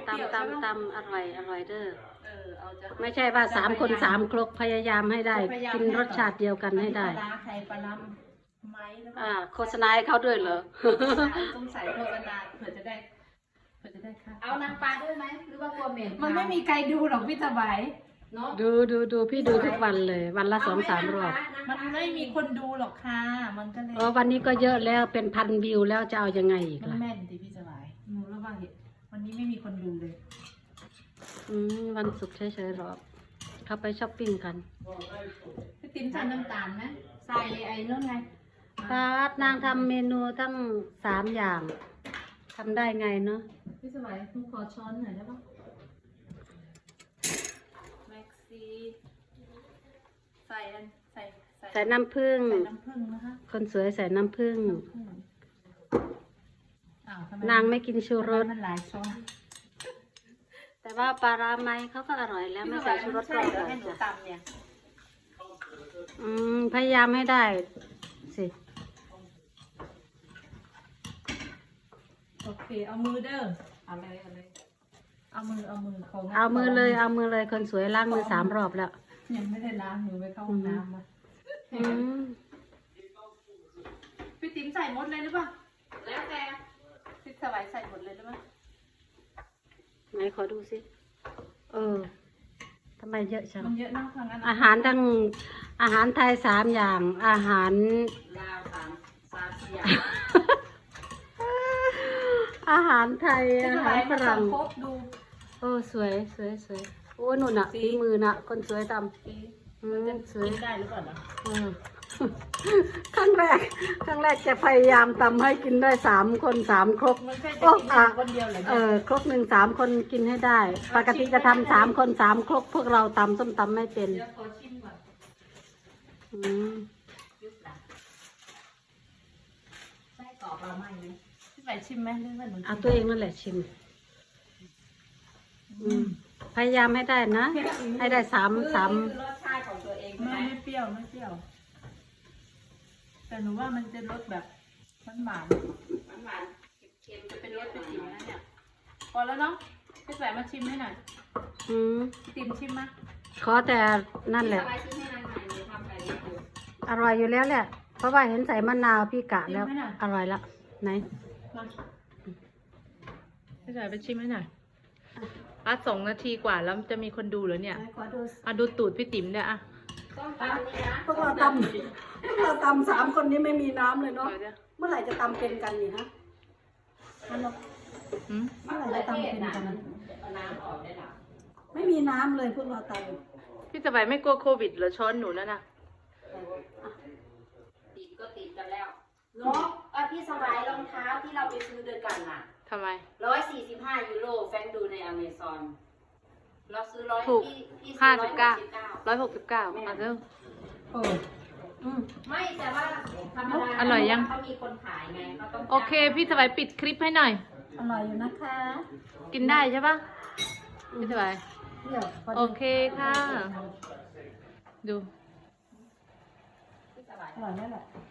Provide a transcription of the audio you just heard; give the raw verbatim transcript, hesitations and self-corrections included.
ตำตำตำอร่อยอร่อยเด้อเออเอาจะไม่ใช่ว่าสามคนสามครกพยายามให้ได้ กินรสชาติเดียวกันให้ได้ปลาร้าใครปลาล้ำไหมหรือเปล่าอ่าโฆษณาให้เขาด้วยเหรอต้องใส่โฆษณาเผื่อจะได้เผื่อจะได้ค่ะเอานางปลาด้วยไหมหรือว่ากลัวเหม็นมันไม่มีใครดูหรอกพี่สบายเนาะดูดูดูพี่ดูทุกวันเลย วันละสองสามรอบมันไม่มีคนดูหรอกค่ะมันก็เลยเออวันนี้ก็เยอะแล้วเป็นพันวิวแล้วจะเอายังไงอีกมันล่ะแม่นดิพี่สบายหนูแล้วว่าเห็นวันนี้ไม่มีคนดูเลยอืมวันศุกร์เฉยๆหรอกเขาไปช้อปปิ้งกันพี่ติ๋มใส่น้ำตาลไหมใส่ไอ้นู่นไงปาดนางทำเมนูตั้งสามอย่างทำได้ไงเนาะพี่สบายหนูขอช้อนหน่อยได้ปะแม็กซีใส่อันใส่ใส่ใส่น้ำผึ้งใส่น้ำผึ้งนะคะคนสวยใส่น้ำผึ้งน้ำผึ้งอ้าวทำไมนางไม่กินชูรสทำไมมันหลายช้อนแต่ว่าปลาร้าไหมเขาก็อร่อยแล้วไม่ใส่ชูรสก็ใช่อแล้วร่อยให้หนูจ้ะตำเนี่ยอืมพยายามให้ได้สิโอเคเอามือเด้อเอาเลยเอาเลยเอามือเอามือเขาเอามือเลยเอามือเลยคนสวยล้างมือสามรอบแล้วยังไม่ได้ล้างมือไปเข้าห้องน้ำมาอืมพี่ติ๋มใส่หมดเลยหรือเปล่าแล้วแต่พี่สบายใส่หมดเลยหรือเปล่าไหนขอดูสิเออทำไมเยอะจังมันเยอะเนอะทางนั้นอาหารทั้งอาหารไทยสามอย่าง อาหารลาวสามสามสี่อย่างอาหารไทยพี่อาสหาบาร ยฝมารั่งทำครบดูโอ้สวยสวยสวยโอ้หนุ่นอ่ะฝีมือน่ะ คนสวยตสิำอืมันมจะสวยกินได้หรือเปล่าเนาะเออ ครั้งแรกครั้งแรกจะพยายามตำให้กินได้สามคนสามครกมันแค่จะโอ้กินอ่ะคนเดียวเหรอเอเนี่ยอครกหนึ่งสามคนกินให้ได้ ปกติจะทำสามคนสามครกพวกเราตำส้มตำไม่เป็นเดี๋ยวขอชิมก่อนอืมยุบหลังไส้กรอกเราไม่เลยพี่ไปชิมไหมหรือว่าหนูเอาตัวเองนั่นแหละชิม อืมพยายามให้ได้นะ ให้ได้สามสามคือรสชาติของตัวเองไม่ใช่ไหมไม่เปรี้ยวไม่เปรี้ยว แต่หนูว่ามันจะรสแบบหวานหวานๆเค็มๆจะเป็นรสเป็นจิ๋มนะเนี่ยๆพอแล้วเนาะพี่สายมาชิมให้หน่อยอืมพี่ติ๋มชิมมั้ยขอแต่นั่นแหละสบายชิ้นให้นางหน่อยหนูทำไปเลยดูอร่อยอยู่แล้วแหละ เพราะว่าเห็นใส่มะนาวพี่กะแล้ว อร่อยละไหนมาพี่สายไปชิมให้หน่อยอ่ะสองนาทีกว่าแล้วจะมีคนดูเหรอเนี่ยขอดูอ่ะดูตูดพี่ติ๋มเนี่ยอ่ะต้องตำนี่นะพวกเราตำพวกเราตำสามคนนี้ไม่มีน้ำเลยเนาะขอเดี๋ยวเมื่อไหร่จะตำเป็นกันนี่ฮะมันเราอืมเมื่อไหร่จะตำเป็นกันเอาน้ำออกได้หรอไม่มีน้ำเลยพวกเราตพี่สบายไม่กลัวโควิดเหรอช้อนหนูนั่นน่ะติดก็ติดกันแล้วนกเอ่ะพี่สบายรองเท้าที่เราไปซื้อด้วยกันน่ะทำไมร้อยสี่สิบห้ายูโรแฟงดูในอเมซอนเราซื้อร้อยถูกพี่พี่ซื้ห้าอร้สิอยบหเก้ากสิบเก้าร้อยหกสิบเก้ามาเร็วำโอ้อืมไม่แต่ว่าธรรมดาอร่อยยังเขามีคนขายไงเขาต้องโอเค พี่สบายปิดคลิปให้หน่อยอร่อยอยู่นะคะกินได้ใช่ปะพี่สบายเดี๋ยวพอโอดีเคค่ะ ดูพี่สบายอร่อยแล้วแหละ